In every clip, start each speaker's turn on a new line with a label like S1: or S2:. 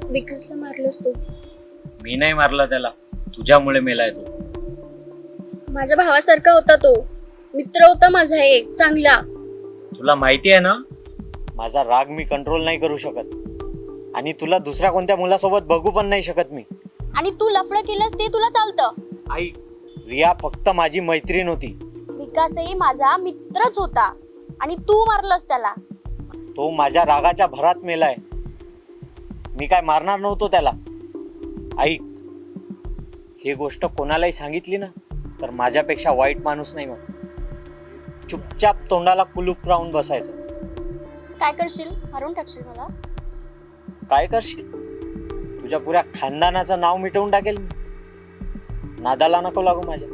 S1: विकासला मारलंस तू.
S2: मी नाही मारला त्याला, तुझ्यामुळे मेलाय तो.
S1: माझ्या भावासारखा होता तो, मित्र होता माझा एक चांगला.
S2: तुला माहिती आहे ना, माझा राग मी कंट्रोल नाही करू शकत, आणि तुला दुसऱ्या कोणत्या मुलासोबत बघू पण नाही शकत मी.
S1: आणि तू लफडं केलंस ते तुला चालतं.
S2: आई, रिया फक्त माझी मैत्रीण होती.
S1: विकासही माझा मित्रच होता आणि तू मारलंस त्याला.
S2: तो माझ्या रागाच्या भरात मेलाय. मी काय मारणार नव्हतो त्याला. ऐक, ही गोष्ट कोणालाही सांगितली ना तर माझ्यापेक्षा वाईट माणूस नाही. मग चुपचाप तोंडाला कुलूप लावून बसायचं.
S1: काय करशील? मारून टाकशील मला?
S2: काय करशील? तुझ्या पुऱ्या खानदानाचं नाव मिटवून टाकेल मी. नादाला नको लागू माझ्या.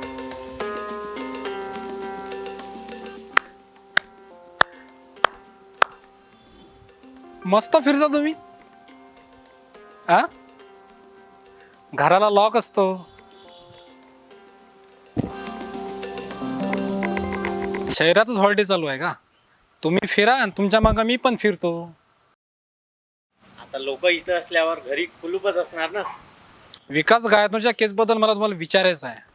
S3: मस्त फिरता तुम्ही. घराला लॉक असतो. शहरातच हॉलिडे चालू आहे का? तुम्ही फिरा आणि तुमच्या मागे मी पण फिरतो.
S2: आता लोक इथं असल्यावर घरी कुलूपच असणार ना.
S3: विकास गायतनच्या केस बद्दल मला तुम्हाला विचारायचं आहे.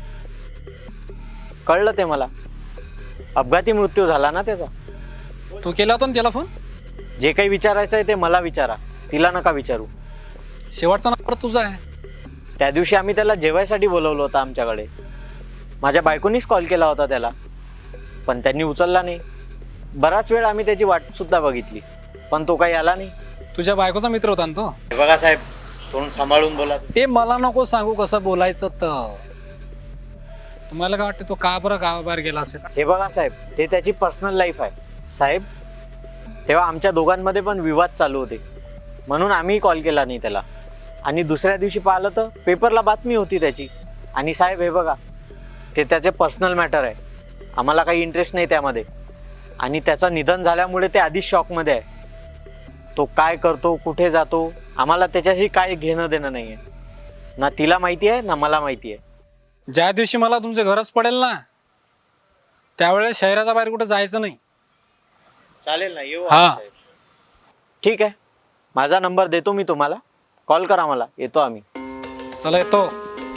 S2: कळलं ते मला. अपघाती मृत्यू झाला ना त्याचा.
S3: तू केला होता ना त्याला फोन?
S2: जे काही विचारायचं आहे ते मला विचारा, तिला नका विचारू.
S3: शेवटचा नंबर तुझा आहे.
S2: त्या दिवशी आम्ही त्याला जेवायसाठी बोलवलं होतं आमच्याकडे. माझ्या बायकोनीच कॉल केला होता त्याला, पण त्यांनी उचलला नाही. बराच वेळ आम्ही त्याची वाट सुद्धा बघितली, पण तो काही आला नाही.
S3: तुझ्या बायकोचा मित्र होता ना तो?
S2: बघा साहेब, तोंड सांभाळून बोला.
S3: ते मला नको सांगू कसं बोलायचं. तर तुम्हाला काय वाटतं तो का बरं गावाबाहेर गेला असेल?
S2: हे बघा साहेब, ते त्याची पर्सनल लाईफ आहे. साहेब, तेव्हा आमच्या दोघांमध्ये पण विवाद चालू होते, म्हणून आम्ही कॉल केला नाही त्याला. आणि दुसऱ्या दिवशी पाहिलं तर पेपरला बातमी होती त्याची. आणि साहेब हे बघा, ते त्याचे पर्सनल मॅटर आहे. आम्हाला काही इंटरेस्ट नाही त्यामध्ये. आणि त्याचं निधन झाल्यामुळे ते आधीच शॉकमध्ये आहे. तो काय करतो, कुठे जातो, आम्हाला त्याच्याशी काय घेणं देणं नाही आहे. ना तिला माहिती आहे ना मला माहिती आहे.
S3: ज्या दिवशी मला तुमचे घरच पडेल ना, त्यावेळेस शहराच्या बाहेर कुठे जायचं नाही.
S2: चालेल ना, येऊ.
S3: हा,
S2: ठीक आहे. माझा नंबर देतो मी तुम्हाला, कॉल करा मला, येतो आम्ही.
S3: चला येतो.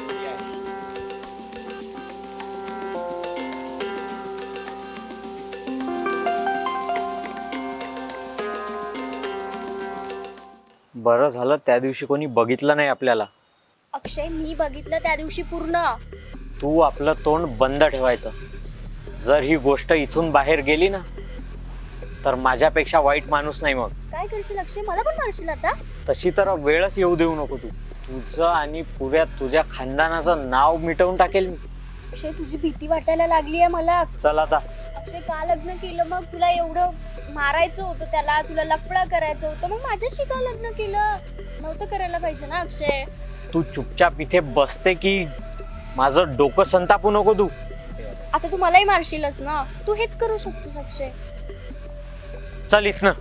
S2: बरं झालं त्या दिवशी कोणी बघितलं नाही आपल्याला.
S1: अक्षय, मी बघितलं त्या दिवशी पूर्ण.
S2: तू आपलं तोंड बंद ठेवायचं. जर ही गोष्ट इथून बाहेर गेली ना तर माझ्यापेक्षा वाईट माणूस नाही. मग
S1: काय करशील अक्षय? मला पण मारशील आता?
S2: तशी तर वेळच येऊ देऊ नको. तू तुझं आणि पुऱ्या तुझ्या खानदानाचं नाव मिटवून टाकेल मी.
S1: अक्षय, तुझी भीती वाटायला लागली आहे मला.
S2: चल आता.
S1: अक्षय, का लग्न केलं मग? तुला एवढं मारायचं होतं त्याला, तुला लफडा करायचं होतं, मग माझ्याशी का लग्न केलं? नव्हतं करायला पाहिजे ना अक्षय.
S2: तू चुपचाप इथे बसते की माझं डोकं संतापू नको तू.
S1: आता तू मलाही मारशीलच ना. तू हेच करू शकतोस अक्षय.
S2: चल इथनं.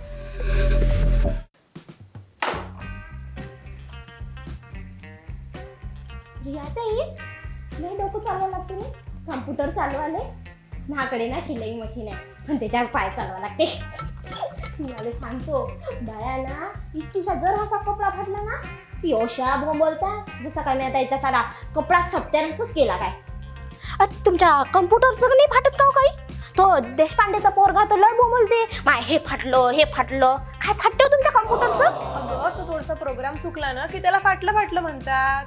S4: नाही डोकं चालवा लागते ना. कम्प्युटर चालवाले माझ्याकडे ना शिलाई मशीन आहे, पण त्याच्यावर पाय चालवा लागते. मला सांगतो बाया ना, तुझा जर असा कपडा फाटला ना ती अशा बोलता जसं काय मी आता याचा सारा कपडा सत्यानाशच केला काय. तुमच्या कम्प्युटरचं नाही फाटत का काही? तो देशपांडेचा पोरगा तर लय बोलते, माय हे फाटलं काय फाटतं तुमच्या कम्प्युटरचं?
S5: अगं, तो थोडासा प्रोग्राम चुकला ना की त्याला फाटलं म्हणतात.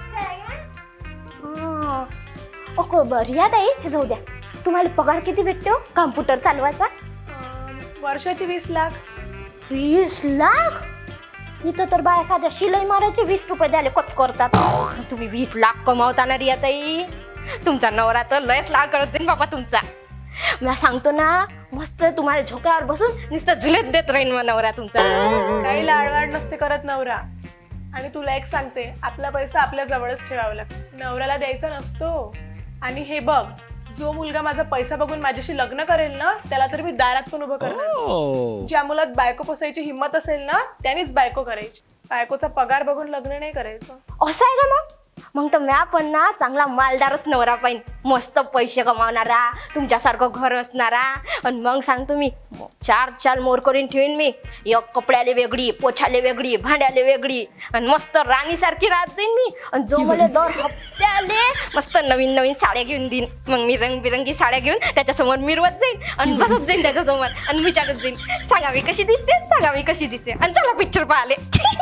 S4: बरं ताई, हे जाऊ द्या. तुम्हाला पगार किती भेटतो कम्प्युटर चालवायचा?
S5: वर्षाची 20 लाख.
S4: 20 लाख? इथं तर बाया साध्या शिलाई मारायचे 20 रुपये द्यायला कच करतात. तुम्ही 20 लाख कमावता ना रिया ताई. तुमचा नवरा तर लयच लाड करत देईन बाबा तुमचा. मला सांगतो ना, मस्त तुम्हाला झोक्यावर बसून नुसतं झुलेत देत राहीन मग नवरा तुमचा.
S5: काही लाडवाड नसते करत नवरा. आणि तुला एक सांगते, आपला पैसा आपल्या जवळच ठेवावा लागतो, नवऱ्याला द्यायचा नसतो. आणि हे बघ, जो मुलगा माझा पैसा बघून माझ्याशी लग्न करेल ना त्याला तर मी दारात पण उभं करणार. ज्या मुलात बायको पोसायची हिंमत असेल ना त्यानेच बायको करायची. बायकोचा पगार बघून लग्न नाही करायचं.
S4: असं आहे का मग? मग तर म्या पण ना चांगला मालदारच नवरा पाहिन, मस्त पैसे कमावणारा, तुमच्यासारखं घर असणारा. आणि मग सांगतो मी 4 मोर करून ठेवीन मी. एक कपड्याले वेगळी, पोछाले वेगळी, भांड्याले वेगळी, आणि मस्त राणीसारखी राहत जाईन मी. आणि जो मला दर हप्त्याले मस्त नवीन नवीन साड्या घेऊन देईन. मग मी रंगबिरंगी साड्या घेऊन त्याच्यासमोर मिरवत जाईन आणि बसत जाईन त्याच्यासमोर आणि विचारत जाईन, सांगा मी कशी दिसते, सांगा मी कशी दिसते, आणि चला पिक्चर पाहाले.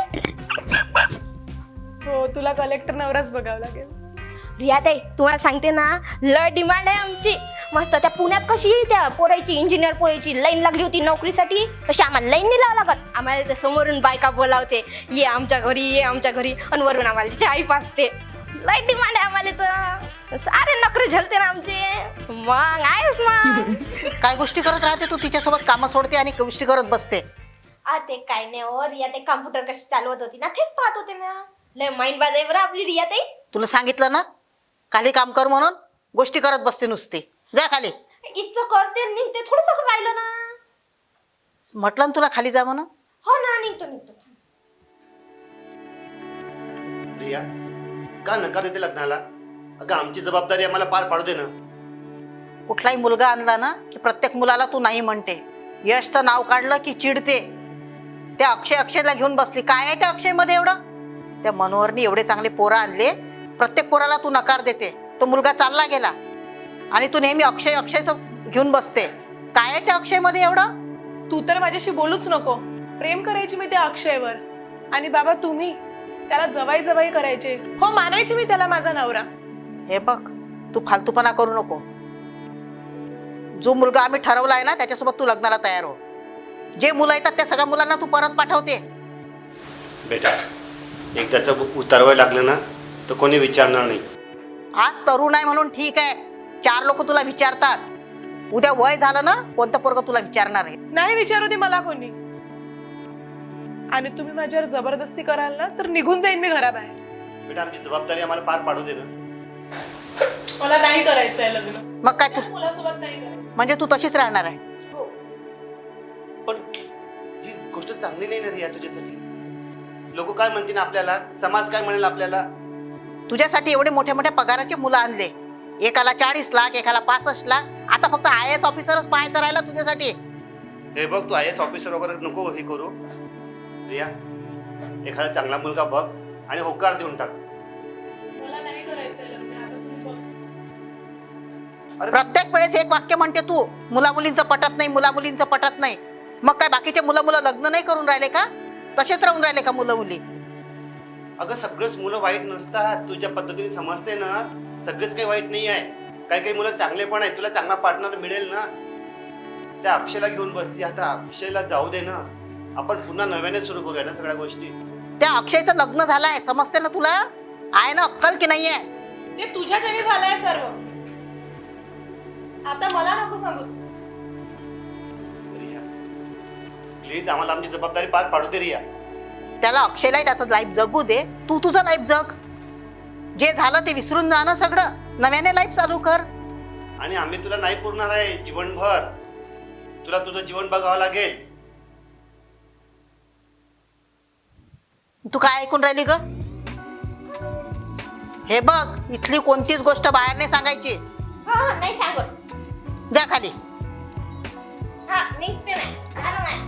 S5: हो, तुला कलेक्टर नवराच बघावं लागेल.
S4: रिया ताई, तुम्हाला सांगते ना, लय डिमांड आहे आमची. मस्त त्या पुण्यात कशी त्या पोरायची, इंजिनियर पोरायची लाईन लागली होती नोकरीसाठी, तशी आम्हाला लाईन नाही लावा लागत. आम्हाला ते समोरून बायका बोलावते, ये आमच्या घरी, ये आमच्या घरी, आणि वरून आम्हाला चाय पाजते. लय डिमांड आहे आम्हाला, तर सारे नोकरी झलते ना आमचे. मग आहेस मग.
S6: काय गोष्टी करत राहते तू तिच्यासोबत, कामं सोडते आणि गोष्टी करत बसते.
S4: ते काय नाही हो रिया ताई, कम्प्युटर कशी चालवत होती ना, तेच पाहत होते ना. लय माइंड बाज आहे बरं आपली रिया ताई.
S6: तुला सांगितलं ना खाली काम कर म्हणून, गोष्टी करत बसते नुसती. जा खाली.
S4: इतकं करते निघते, थोडंसं राहिलं ना.
S6: म्हटलं ना तुला खाली जा म्हणून.
S4: हो ना, निघतो.
S7: रिया, का नकार देते लग्नाला? अगं आमची जबाबदारी आम्हाला पार पाडू दे ना.
S6: कुठलाही मुलगा आणला ना की प्रत्येक मुलाला तू नाही म्हणते. यशचं नाव काढलं की चिडते. त्या अक्षयला घेऊन बसली. काय आहे त्या अक्षयमध्ये एवढं? त्या मनोहरनी एवढे चांगले पोरं आणले, प्रत्येक पोराला तू नकार देते. तो मुलगा चालला गेला आणि तू नेहमी अक्षयच घेऊन बसते. काय आहे त्या अक्षयमध्ये एवढं?
S5: तू तर माझ्याशी बोलूच नको. प्रेम करायची मी त्या अक्षयवर, आणि बाबा तुम्ही त्याला जवाई करायचे. हो, मानायची मी त्याला माझा नवरा.
S6: हे बघ, तू फालतूपणा करू नको. जो मुलगा आम्ही ठरवलाय ना त्याच्यासोबत तू लग्नाला तयार हो. जे मुलं येतात त्या सगळ्या मुलांना तू परत पाठवते.
S7: बेटा, एकदाचं उतरवाय लागलं ना तर कोणी विचारणार नाही.
S6: आज तरुण आहे म्हणून ठीक आहे, 4 लोक तुला विचारतात. उद्या वय झालं ना कोणतं पोरग तुला विचारणार आहे?
S5: नाही विचारू दे मला कोणी. आणि तुम्ही माझ्यावर जबरदस्ती कराल ना तर निघून जाईन मी घराबाहेर.
S7: बेटा, आमची जबाबदारी आम्हाला पार पाडू दे ना.
S5: मला नाही करायचंय लग्न.
S6: मग काय तू
S5: मुलासोबत नाही करायचं.
S6: म्हणजे तू तशीच राहणार आहे?
S7: पण ही गोष्ट चांगली नाही ना रिया तुझ्यासाठी. लोक काय म्हणतील आपल्याला, समाज काय म्हणेल आपल्याला.
S6: तुझ्यासाठी एवढे मोठ्या मोठ्या पगाराचे मुलं आणले. एकाला 40 लाख, एकाला 65 लाख. आता फक्त IAS ऑफिसरच पाहायचं राहिला तुझ्यासाठी.
S7: हे बघ, तू IAS ऑफिसर वगैरे नको हे करू. रिया, एखादा चांगला मुलगा बघ आणि होकार देऊन टाक.
S5: मला नाही करायचंय लग्न. आता तुम्ही बघ.
S7: अरे
S6: प्रत्येक वेळेस एक वाक्य म्हणते तू, मुला मुलींचं पटत नाही, मुला मुलींचं पटत नाही. मग काय बाकीचे मुलं लग्न नाही करून राहिले का? तसेच राहून राहिले का मुलं मुली?
S7: अगं सगळेच मुलं वाईट नसतात. तुझ्या पद्धतीने समजते ना, सगळेच काही वाईट नाही आहे. काही मुलं चांगले पण आहेत. तुला चांगला पार्टनर मिळेल ना. त्या अक्षयला घेऊन बसली, आता अक्षयला जाऊ दे ना. आपण पुन्हा नव्याने सुरू करूया ना सगळ्या गोष्टी.
S6: त्या अक्षयचं लग्न झालंय, समजते ना तुला? आहे ना अक्कल की नाहीये?
S5: ते तुझ्याच्याने झालंय सर्व. आता मला नको सांगू.
S7: रिया, प्लीज आम्हाला आमची जबाबदारी पार पाडू दे रिया.
S6: त्याला अक्षयलाही त्याचं लाईफ जगू दे, तू तुझं लाईफ जग. जे झालं ते विसरून जा ना सगळं. नव्याने लाईफ चालू कर.
S7: आणि आम्ही तुला नाही पुरणार आहे जीवनभर. तुला तुझं जीवन बघावं लागेल.
S6: तू काय ऐकून राहिली ग? हे बघ, इथली कोणतीच गोष्ट बाहेर नाही सांगायची.
S4: हा, नाही सांगत.
S6: जा खाली.
S4: हा, निघते नाही. झालं नाही.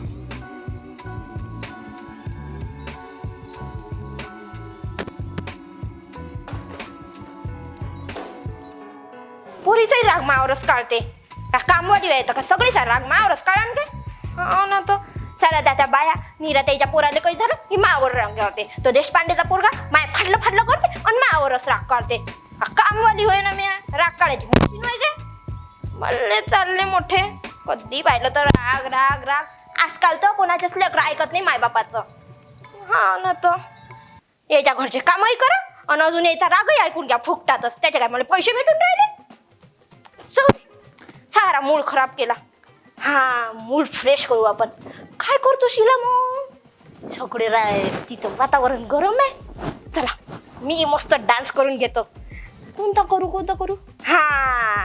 S4: पुरीचाही राग मावरच काढते. कामवाली आहे तर का सगळीचा राग मावरच काढान काय? हो ना. तो चला त्या बाया नीरा त्याच्या पोराला काही झालं की मावर राग काढते. तो देशपांडेचा पोरगा माय फाडलं करते आणि मावरच राग काढते. कामवाली होय ना, मी राग काढायची मशीन होय काय? मल्ले चालले मोठे. कधी पाहिलं तर राग राग राग. आजकाल तर कोणाच्याच लेकरं ऐकत नाही मायबापाचं. हा ना. तर याच्या घरचे कामही करा आणि अजून याचा रागही ऐकून घ्या फुकटातच. त्याचे काय मला पैसे भेटून राहिले? सारा मूड खराब केला. हा, मूड फ्रेश करू आपण. काय करतो शिला मग? सगळे तिथं वातावरण गरम आहे. चला मी मस्त डान्स करून घेतो. कोणता करू? हा,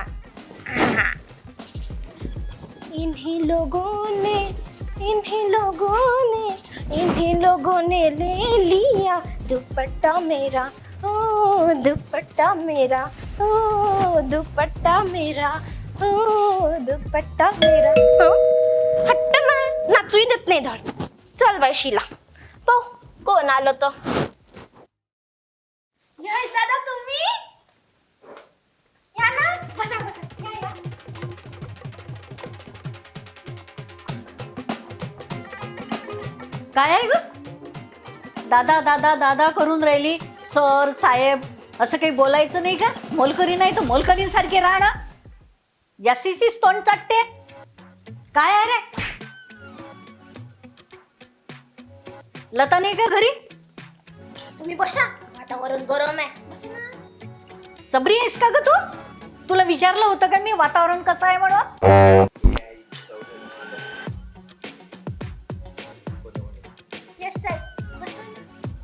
S4: इन्हीं लोगों ने ले लिया दुपट्टा मेरा ओ दुपट्टा मेरा, ओ दुपट्टा मेरा, ओ दुपट्टा मेरा. हट्ट ना, नाचूही देत नाही धड. चल बाई शिला, पाहू कोण आलो तो. यश दादा तुम्ही या ना, बसा बसा, या या.
S8: काय आहे ग दादा दादा दादा करून राहिली. सर साहेब असं काही बोलायचं नाही का? मोलकरी नाही तर मोलकरींसारखे राहणं. जास्तीचीच तोंड चाटते. काय आहे रे? लता नाही का घरी?
S4: तुम्ही बसा, वातावरण गरम आहे. बसा ना.
S8: सबरी आहेस का ग तू? तुला विचारलं होतं का मी वातावरण कसं आहे म्हणून?
S4: यश साहेब बसा ना.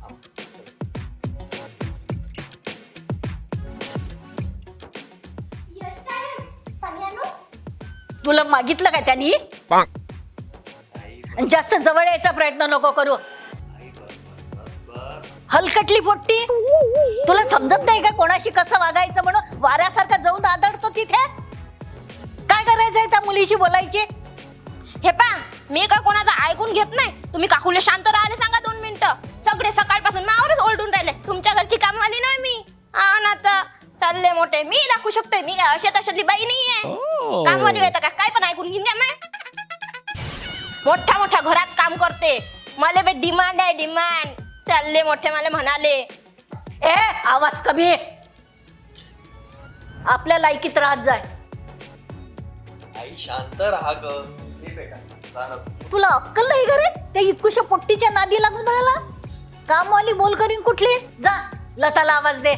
S4: यश साहेब पाणी आणू?
S8: तुला मागितलं का त्यांनी? आणि जास्त जवळ यायचा प्रयत्न नको करू. हलकटली पोट्टी, तुला समजत नाही का कोणाशी कसं वागायचं म्हणून? वाऱ्यासारखा जाऊन आदळतो तिथे. काय करायचंय त्या मुलीशी बोलायची?
S4: हे पा, मी काय कोणाचं ऐकून घेत नाही. तुम्ही काकूला शांत राहायला सांगा 2 मिनिटं. सगळे सकाळपासून मावरच ओरडून राहिले. तुमच्या घरची कामवाली नाही मी. ना तर चालले मोठे. मी दाखवू शकते, मी काय अशा तशातली बाई नाहीये. कामवाली होता का काय पण ऐकून घेईन मी. मोठ्या मोठ्या घरात काम करते. मला बे डिमांड आहे, डिमांड. चालले मोठे मला म्हणाले.
S8: ए आवाज कमी आहे. आपल्या लायकीत राहत जाय.
S9: आई शांत राहा ग. हे बेटा जा.
S8: तुला अक्कल नाही का रे? त्या इतकुशा पोट्टीच्या नादी लागून राहिला. कामवाली बोल करीन कुठली? जा लताला आवाज दे.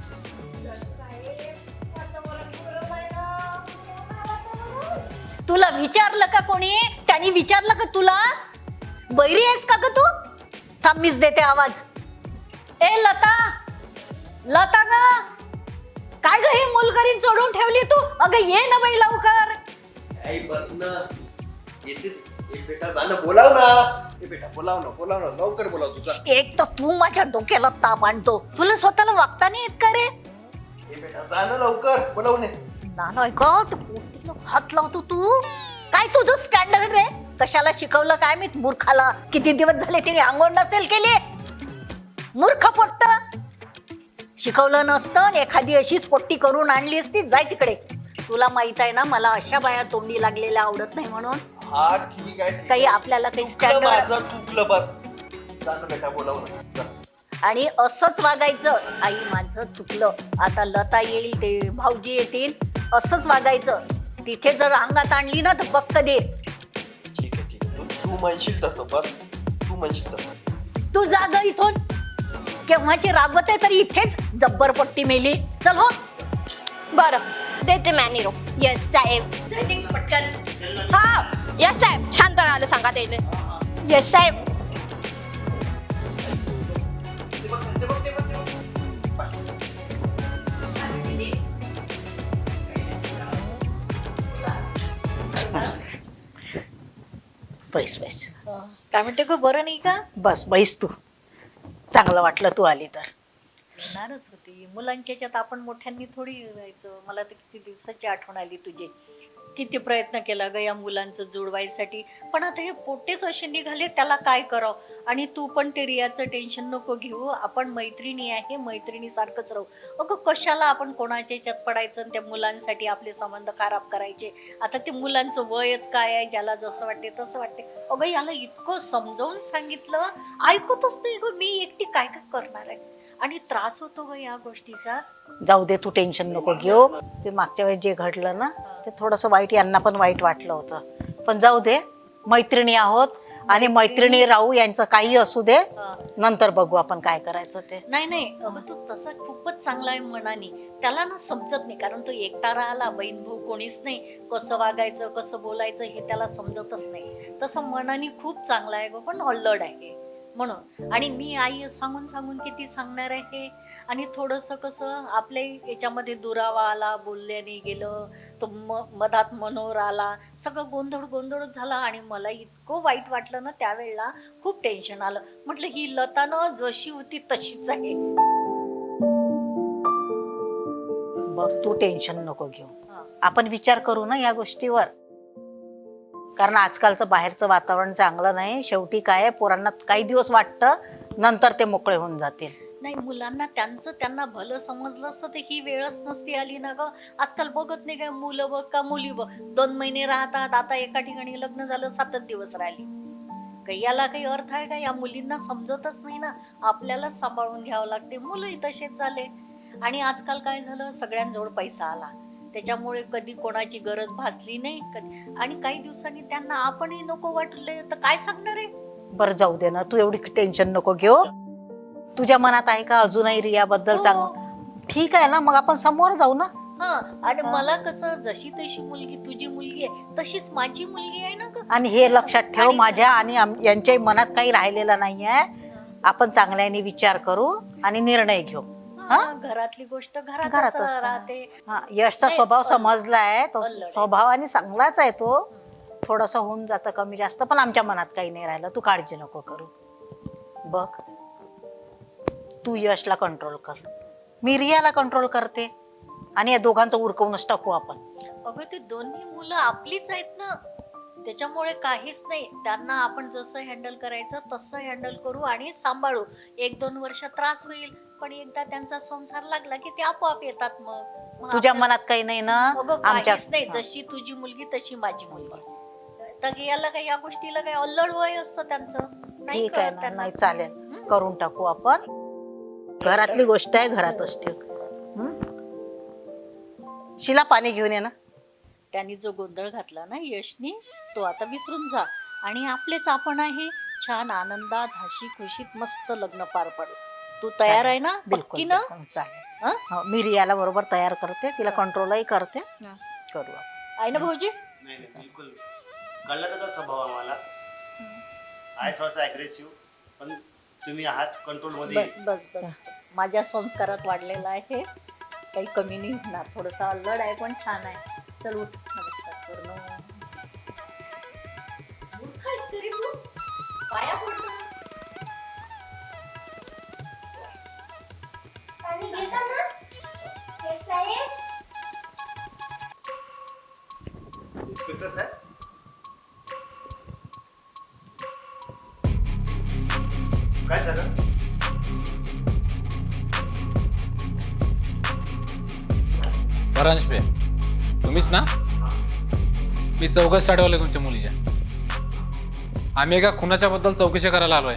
S8: तुला विचारलं का कोणी? त्यांनी विचारलं का तुला? बैरी आहेस का ग तू? थांब मीच देते आवाज. ए लता, लता ग, काय ग ही मुलकरीन चढून ठेवली तू? अगं ये ना बाई लवकर.
S9: आई बस ना. येते. हे बेटा जा ना, बोलाव ना. हे बेटा बोलाव ना लवकर बोलाव तुझा.
S8: एक तर तू माझ्या डोक्याला ताप आणतो. तुला स्वतःला वागता नाही येत का रे?
S9: हे बेटा जा ना लवकर, बोलाव ने.
S8: नाही का तू पोटीला हात लावतो तू? काय तुझं स्टँडर्ड रे? कशाला शिकवलं काय मी मूर्खाला? किती दिवस झाले तिने आंघोळ नसेल केली. मूर्ख पोट्ट. शिकवलं नसतं, एखादी अशीच पोट्टी करून आणली असती. जाय तिकडे. तुला माहित आहे ना मला अशा बाया तोंडी लागलेल्या आवडत नाही म्हणून.
S9: हा ठीक आहे.
S8: काही आपल्याला काही
S9: चुकलं
S8: स्टँडर्ड.
S9: माझं, चुकलं बस. जा ना बेटा, बोलाव ना जा.
S8: आणि असंच वागायचं. आई माझं चुकलं, आता लता येईल, ते भाऊजी येतील, असंच वागायचं. तिथे जर अंगात आणली ना तर बक्क दे.
S9: ठीक आहे. तू म्हणशील तसं बस. तू म्हणशील तसं.
S8: तू जाग इथून. केव्हाची रागवत आहे तरी इथेच जब्बर पट्टी मेली. चल हो.
S4: बरं देते मॅनिरो. यश साहेब पटकन. हा यश साहेब शांत राहायला सांगा त्याले. यश साहेब
S6: बैस बैस.
S8: काय म्हणते गं, बरं नाही का?
S6: बस बैस तू. चांगलं वाटलं तू आली तर.
S8: येणारच होती. मुलांच्या याच्यात आपण मोठ्यांनी थोडी राहायचं. मला तर किती दिवसाची आठवण आली तुझी. किती प्रयत्न केला ग या मुलांचं जुळवायसाठी, पण आता हे पोटेच असे निघाले, त्याला काय करावं. आणि तू पण ते रियाचं टेन्शन नको घेऊ. आपण मैत्रिणी आहे, मैत्रिणीसारखंच राहू. अगं कशाला आपण कोणाच्या याच्यात पडायचं आणि त्या मुलांसाठी आपले संबंध खराब करायचे. आता ते मुलांचं वयच काय आहे, ज्याला जसं वाटते तसं वाटते. अगं याला इतकं समजावून सांगितलं, ऐकतच नाही ग. मी एकटी काय काय करणार आहे. आणि त्रास होतो ग या गोष्टीचा.
S6: जाऊ दे, तू टेन्शन नको घेऊ. ते मागच्या वेळेस जे घडलं ना ते थोडंसं वाईट, यांना पण वाईट वाटलं होतं. पण जाऊ दे, मैत्रिणी आहोत आणि मैत्रिणी राहू. यांचं काही असू दे, नंतर बघू आपण काय करायचं ते.
S8: नाही अगं तो तसा खूपच चांगला आहे मनाने. त्याला ना समजत नाही, कारण तो एकटा राहिला, बहीण भाऊ कोणीच नाही. कसं वागायचं कसं बोलायचं हे त्याला समजतच नाही. तसं मनाने खूप चांगला आहे ग, पण अल्लड आहे म्हणून. आणि मी आई सांगून सांगून किती सांगणार आहे. आणि थोडंसं कसं आपल्या याच्यामध्ये दुरावा आला, बोलल्याने गेलं, तो मधात मनोर आला, सगळं गोंधळच झाला. आणि मला इतकं वाईट वाटलं ना त्यावेळेला, खूप टेन्शन आलं. म्हटलं ही लता ना जशी होती तशीच आहे.
S6: बघ तू टेन्शन नको घेऊ.
S8: हा.
S6: आपण विचार करू ना या गोष्टीवर. कारण आजकालचं बाहेरचं वातावरण चांगलं नाही. शेवटी काय आहे, पोरांना काही दिवस वाटतं, नंतर ते मोकळे होऊन जातील.
S8: नाही, मुलांना त्यांना भलं समजलं असतं ते ही वेळच नसती आली ना ग. आजकाल बघत नाही काय, मुलं बघ का मुली बघ, 2 महिने राहतात, आता एका ठिकाणी लग्न झालं 7 दिवस राहिली. काही याला काही अर्थ आहे का? या मुलींना समजतच नाही ना, आपल्यालाच सांभाळून घ्यावं लागते. मुलंही तसेच झाले. आणि आजकाल काय झालं, सगळ्यांजवळ पैसा आला, त्याच्यामुळे कधी कोणाची गरज भासली नाही कधी. आणि काही दिवसांनी त्यांना आपणही नको वाटले तर काय सांगणार आहे?
S6: बरं जाऊ दे ना, तू एवढी टेन्शन नको घेऊ. तुझ्या मनात आहे का अजूनही रियाबद्दल
S8: हो.
S6: चांगलं? ठीक आहे ना, मग आपण समोर जाऊ ना.
S8: हा, आणि मला कसं जशी तशी मुलगी तुझी मुलगी आहे तशीच माझी मुलगी आहे ना ग.
S6: आणि हे लक्षात ठेव,
S8: आणि-
S6: माझ्या आणि यांच्याही मनात काही राहिलेलं नाहीये. आपण चांगल्याने विचार करू आणि निर्णय घेऊ.
S8: हा, घरातली गोष्ट
S6: घरातच
S8: घरातच
S6: राहते.
S8: राहते.
S6: हा, यशचा
S8: नाही,
S6: स्वभाव
S8: पण-
S6: समजलाय, तो
S8: पण लढाई.
S6: स्वभावाने चांगलाच आहे तो. थोडस होऊन जातं कमी जास्त, पण आमच्या मनात काही नाही राहिलं. तू काळजी नको करू. बघ तू यशला कंट्रोल कर, मी रियाला कंट्रोल करते, आणि या दोघांचं उरकवूनच टाकू आपण.
S8: अगं ते दोन्ही मुलं आपलीच आहेत ना, त्याच्यामुळे काहीच नाही. त्यांना आपण जसं हँडल करायचं तसं हँडल करू आणि सांभाळू. 1-2 वर्ष त्रास होईल, पण एकदा त्यांचा संसार लागला की ते आपोआप येतात. मग
S6: तुझ्या
S8: आपल्याला-
S6: मनात काही नाही ना?
S8: अगं
S6: आमच्या
S8: काहीच नाही, जशी तुझी मुलगी तशी माझी मुलगी. तर याला काय, या गोष्टीला काय अल्लड वय असतं त्यांचं? नाही
S6: ठीक आहे
S8: कळत
S6: ना,
S8: त्यांना.
S6: नाही चालेल, करून टाकू आपण. घरातली गोष्ट आहे, घरातच ठेव. शिला पाणी घेऊन ये ना.
S8: त्यांनी जो गोंधळ घातला ना यशनी, तो आता विसरून जा. आणि आपलेच आपण आहे, छान आनंदात हशी खुशीत मस्त लग्न पार पाडू. तू तयार आहे ना?
S6: बिलकुल
S8: पक्की ना?
S6: बिलकुल, चालेल.
S8: हं?
S6: हो, मी रियाला बरोबर तयार करते, तिला कंट्रोलही करते.
S8: हं.
S6: करू आपण.
S8: आहे ना भाऊजी?
S7: नाही नाही बिलकुल कळलं त्याचा स्वभाव आम्हाला आहे थोडासा ॲग्रेसिव्ह, पण तुम्ही आहात कंट्रोलमध्ये.
S8: बस बस, माझ्या संस्कारात वाढलेला आहे, काही कमी नाही होणार. थोडंसं अल्लड आहे पण छान आहे. चल उठ, नमस्कार करू ना. उठ काय तरी तू, पाया पडतो.
S4: पाणी घेता ना हे साहेब?
S7: इन्स्पेक्टर साहेब, काय झालं?
S3: परांश पे तुम्हीच ना? मी चौकशी साठवले तुमच्या मुलीच्या. आम्ही एका खुनाच्या बद्दल चौकशी करायला आलोय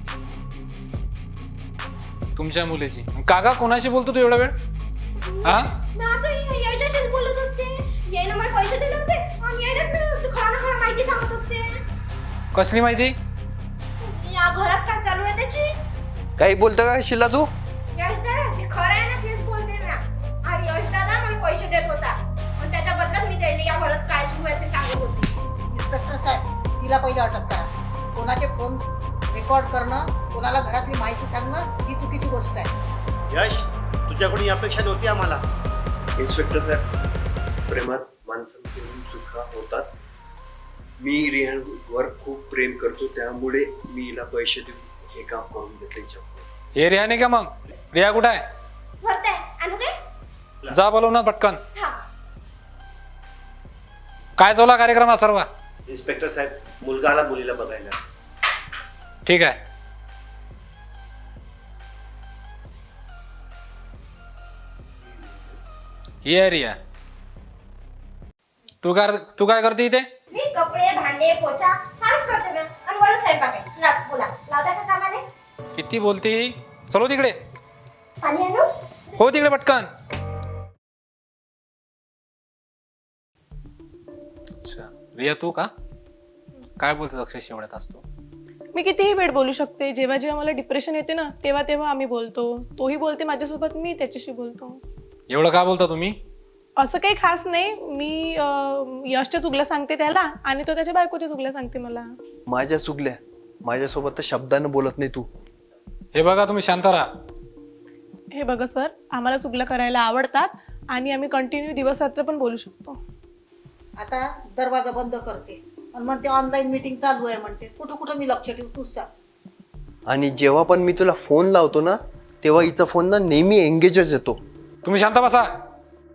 S3: तुमच्या मुलीची. काका कोणाशी बोलतो तू एवढा वेळ? हा,
S4: ना तो याच्याशीच बोलत असते. यायनं मला पैसे दिले होते आणि यायनंच तू खरं ना खरं माहिती सांगत असते.
S3: कसली माहिती?
S4: या घरात काय चालू आहे त्याची?
S9: काही बोलतो का शिला तू?
S4: यश दादा जे खरं आहे ना तेच बोलते ना. आणि यश दादा मला पैसे देत होता आणि त्याच्या बदल्यात मी त्याला या घरात काय सुरू आहे ते सांगत होते.
S6: इन्स्पेक्टर साहेब, तिला पहिले अटक करा. कोणाचे फोन रेकॉर्ड करणं, कोणाला घरातली माहिती सांगणं ही चुकीची गोष्ट आहे.
S7: यश, तुझ्याकडून ही अपेक्षा नव्हती आम्हाला.
S9: इन्स्पेक्टर साहेब, प्रेमात माणसांकडून चुका होतात. मी रियावर खूप प्रेम करतो, त्यामुळे मी हिला पैसे देऊन हे काम करून घेतले.
S3: हे रिया नाही का? मग रिया कुठं आहे?
S4: भरते आणू काय?
S3: जा बोलव ना पटकन.
S4: हा.
S3: काय चालला कार्यक्रम हा सर्व?
S7: इन्स्पेक्टर साहेब, मुलगा आला मुलीला बघायला.
S3: ठीक आहे. ही आहे रिया. तू काय करते इथे?
S4: मी कपडे भांडे पोचा सारच करते मॅम आणि वरून स्वयंपाक आहे. ना बोला लावता का कामाने?
S3: किती बोलती? चलो तिकडे.
S4: पाणी आणू?
S3: हो तिकडे पटकन. अच्छा रिया, तू का काय बोलतेस अक्षयशी एवढ्यात असतो?
S5: मी कितीही वेळ बोलू शकते. जेव्हा जेव्हा मला डिप्रेशन येते ना, तेव्हा तेव्हा आम्ही बोलतो. तोही बोलते माझ्यासोबत, मी त्याच्याशी बोलतो.
S3: एवढं का बोलता तुम्ही?
S5: असं काही खास नाही. मी यशच्या चुगल्या सांगते त्याला आणि तो त्याच्या बायकोच्या चुगल्या सांगते मला.
S9: माझ्या चुकल्या, माझ्यासोबत तर शब्दानं बोलत नाही तू.
S3: हे बघा, तुम्ही शांत राहा.
S5: हे बघा सर, आम्हाला चुगल्या करायला आवडतात आणि आम्ही कंटिन्यू दिवस रात्र पण बोलू शकतो.
S6: आता दरवाजा बंद करते आणि म्हणते ऑनलाईन मीटिंग चालू आहे म्हणते. कुठं कुठं मी लक्ष ठेवू, तूच सांग.
S9: आणि जेव्हा पण मी तुला फोन लावतो ना, तेव्हा हिचा फोन ना नेहमी एंगेजच येतो.
S3: तुम्ही शांत बसा.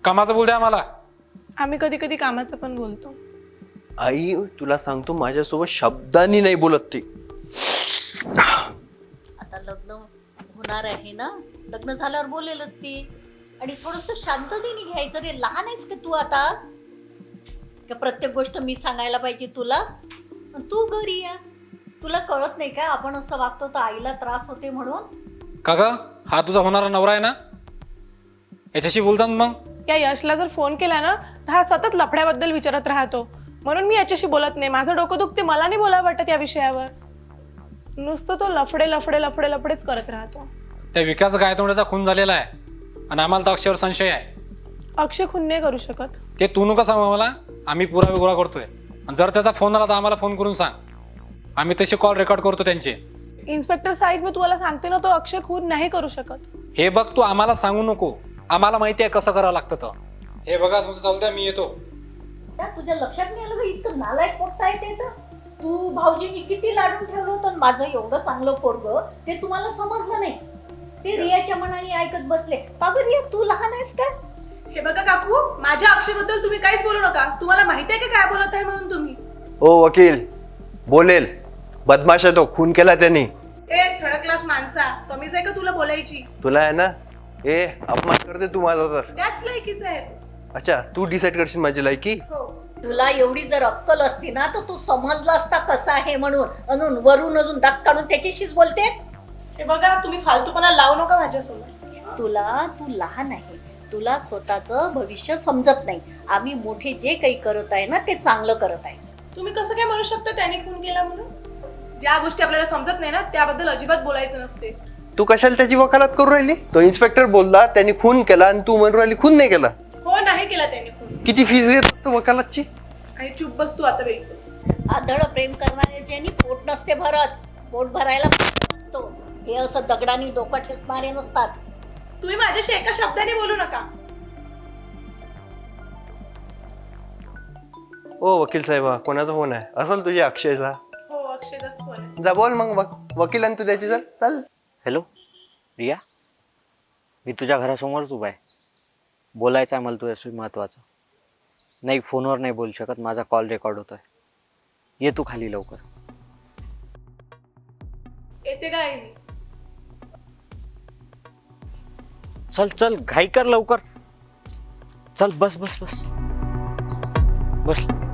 S3: कामाचं बोल द्या आम्हाला.
S5: आम्ही कधी कधी कामाचं पण बोलतो.
S9: आई तुला सांगतो माझ्यासोबत शब्दांनी नाही बोलत ती.
S8: आता लग्न होणार आहे ना, लग्न झाल्यावर बोलेलच ती. आणि थोडस शांततेने घ्यायचं रे. लहान आहेस का तू आता? का प्रत्येक गोष्ट मी सांगायला पाहिजे तुला? अन तू घरी या. तुला कळत नाही का आपण असं वागतो तर आईला त्रास होते म्हणून?
S3: का ग, हा तुझा होणारा नवरा आहे ना, याच्याशी बोलतात मग?
S5: या यशला जर फोन केला ना तर हा सतत लफड्याबद्दल विचारत राहतो. म्हणून मी याच्याशी बोलत नाही. माझं डोकं दुखते, मला नाही बोलावं वाटत या विषयावर. नुसतं तो लफडे लफडे लफडे लफडेच करत राहतो.
S3: त्या विकास गायतोंड्याचा खून झालेला आहे आणि आम्हाला तर अक्षयवर संशय आहे.
S5: अक्षय खून नाही करू शकत.
S3: ते तू नका सांगू आम्हाला, आम्ही पुरावे गोळा करतोय. आणि जर त्याचा फोन आला तर आम्हाला फोन करून सांग, आम्ही तसे कॉल रेकॉर्ड करतो त्यांचे.
S5: इन्स्पेक्टर साहेब मी तुम्हाला सांगते ना, तो अक्षय खून नाही करू शकत.
S3: हे बघ, तू आम्हाला सांगू नको, आम्हाला माहिती आहे कसं करावं लागतं. तर हे बघा तुमचं चालू द्या, मी येतो.
S8: त्या तुझ्या लक्षात नाही आलं का इतकं नालायक पोट्टा आहे ते? तर तू भाऊजींनी किती लाडून ठेवलं होतं आणि माझं एवढं चांगलं पोरग ते तुम्हाला समजलं नाही. ते रियाच्या मनाने ऐकत बसले. का गं रिया, तू लहान आहेस का?
S5: हे बघा काकू, माझ्या अक्षयबद्दल तुम्ही काहीच बोलू नका. तुम्हाला माहिती आहे का काय बोलत आहे म्हणून तुम्ही?
S9: ओ वकील बोलेल, बदमाश आहे तो, खून केला त्यांनी.
S5: ए थर्ड क्लास माणसा, कमीच आहे का तुला बोलायची?
S9: तुला आहे ना, ए अपमान करते तू माझा तर.
S5: त्याच लायकीचा आहे तो.
S9: अच्छा, तू डिसाईड करशील माझी लायकी?
S5: हो.
S8: तुला एवढी जर अक्कल असती ना तर तू समजला असता कसा आहे म्हणून. अजून वरून अजून दात काढून त्याच्याशीच बोलते.
S5: हे बघा, तुम्ही फालतूपणा लावू नका माझ्यासमोर.
S8: तू लहान आहे, तुला स्वतःचं भविष्य समजत नाही. आम्ही मोठे जे काही करत आहे ना ते चांगलं करत आहे.
S5: तुम्ही कसं काय म्हणू शकता त्याने खून केला म्हणून? ज्या गोष्टी आपल्याला समजत नाही ना त्याबद्दल अजिबात बोलायचं नसते.
S9: तू कशाला त्याची वकालत करू राहिली? तो इन्स्पेक्टर बोलला त्यांनी खून केला आणि तू म्हणून राहिली खून नाही केला.
S5: हो, नाही केला त्याने खून.
S9: किती फीस घेत असतो वकालतची?
S5: आणि चुप बस तू आता बाई.
S8: आधळ प्रेम करणाऱ्याच्यानी पोट नसते भरत, पोट भरायला लागतो. हे असं दगडाने डोकं ठेचणारे नसतात.
S5: तुम्ही माझ्याशी एका शब्दाने बोलू नका.
S9: ओ वकील साहेबा, कोणाचा फोन आहे? असेल तुझ्या अक्षयचा.
S5: हो, अक्षयचाच फोन आहे.
S9: जा बोल मग, वकिलांनी तू त्याची चाल.
S2: हॅलो रिया, मी तुझ्या घरासमोरच उभा आहे. बोलायचं आहे मला तुझ्याशी महत्त्वाचं. नाही, फोनवर नाही बोलू शकत, माझा कॉल रेकॉर्ड होतोय. ये तू खाली लवकर.
S5: येते काय मी?
S2: चल चल, घाई कर लवकर. चल, बस बस बस बस.